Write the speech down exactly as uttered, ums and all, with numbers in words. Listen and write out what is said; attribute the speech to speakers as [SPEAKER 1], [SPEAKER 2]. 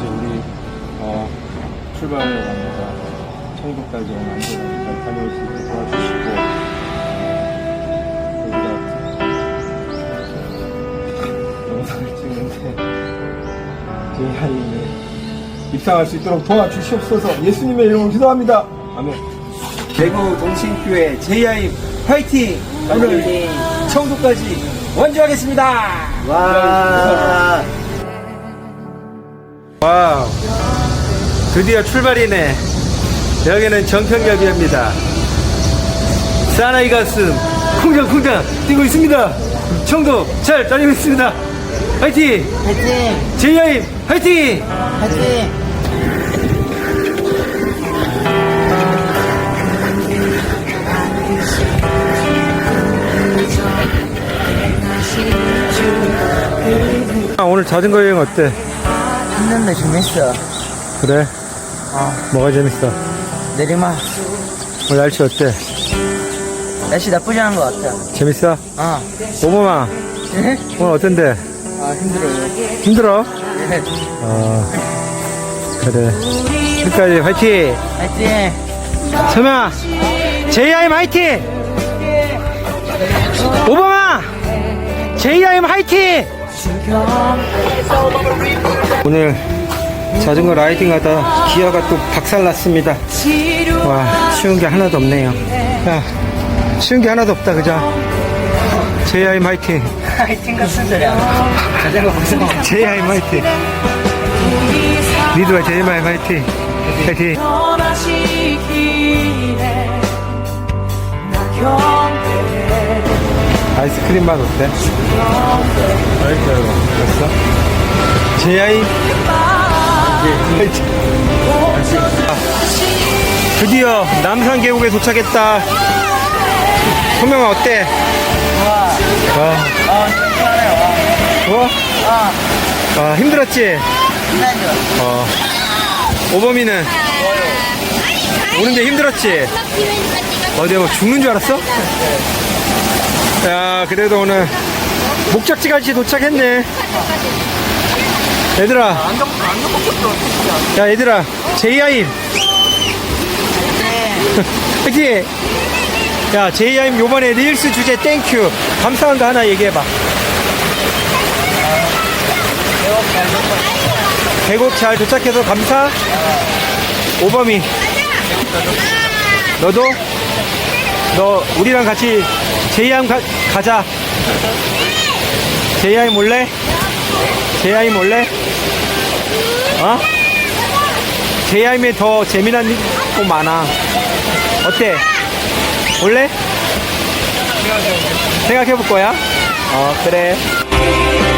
[SPEAKER 1] 이제 우리 어, 출발하려고 합니다. 청도까지 오늘 안전하게 잘 다녀올 수 있게 도와주시고 어, 여기다 영상을 찍는데 제 아이는 입상할 수 있도록 도와주시옵소서. 예수님의 이름으로 기도합니다. 아멘.
[SPEAKER 2] 대구 동신교회 제이아이 화이팅! 오늘 청도까지 원주하겠습니다.
[SPEAKER 3] 와.
[SPEAKER 4] 와우, 드디어 출발이네. 여기는 정평역입니다. 사나이 가슴 쿵장쿵장 뛰고 있습니다. 청도 잘 다니고 있습니다. 화이팅!
[SPEAKER 3] 화이팅!
[SPEAKER 4] 제이아이 화이팅!
[SPEAKER 3] 화이팅!
[SPEAKER 4] 아, 오늘 자전거 여행 어때?
[SPEAKER 3] 힘든데 재밌어.
[SPEAKER 4] 그래?
[SPEAKER 3] 어,
[SPEAKER 4] 뭐가 재밌어?
[SPEAKER 3] 내리막.
[SPEAKER 4] 오늘 날씨 어때?
[SPEAKER 3] 날씨 나쁘지 않은 것 같아.
[SPEAKER 4] 재밌어?
[SPEAKER 3] 어.
[SPEAKER 4] 오범아,
[SPEAKER 3] 네?
[SPEAKER 4] 오늘 어떤데?
[SPEAKER 3] 아, 힘들어요.
[SPEAKER 4] 힘들어?
[SPEAKER 3] 네.
[SPEAKER 4] 어, 그래. 끝까지 화이팅!
[SPEAKER 3] 화이팅!
[SPEAKER 4] 서명아, 제이아이엠 화이팅! 오범아, 제이아이엠 화이팅! 오늘 자전거 라이딩 하다 기아가 또 박살났습니다. 와, 쉬운 게 하나도 없네요. 야, 쉬운 게 하나도 없다, 그죠? 제이아이엠 화이팅!
[SPEAKER 3] 화이팅 같은 소리야. 자전거 무서워.
[SPEAKER 4] 제이아이엠 화이팅! 니도와 제이아이엠 화이팅! 화이팅! 아이스크림 맛 어때? 맛있어요. 됐어? 제이아이 화이팅! 아, 드디어 남산 계곡에 도착했다. 소명아 어때?
[SPEAKER 3] 좋아.
[SPEAKER 4] 와,
[SPEAKER 3] 어, 시원해요.
[SPEAKER 4] 좋아?
[SPEAKER 3] 아,
[SPEAKER 4] 아, 힘들었지?
[SPEAKER 3] 신나죠?
[SPEAKER 4] 어. 오범이는 오는데 힘들었지? 어제 뭐 죽는 줄 알았어? 야, 그래도 오늘 목적지까지 도착했네. 얘들아, 야, 얘들아, 제이아이엠 그치? 야, 제이아이엠 요번에 릴스 주제 땡큐 감사한 거 하나 얘기해봐. 계곡 잘 도착해서 감사. 오범이 너도? 너 우리랑 같이 제이아이엠 가, 가자. 제이아이엠 올래? 제이아이엠 올래? 어? 제이아이엠에 더 재미난 거 많아. 어때? 올래? 생각해볼 거야? 어, 그래.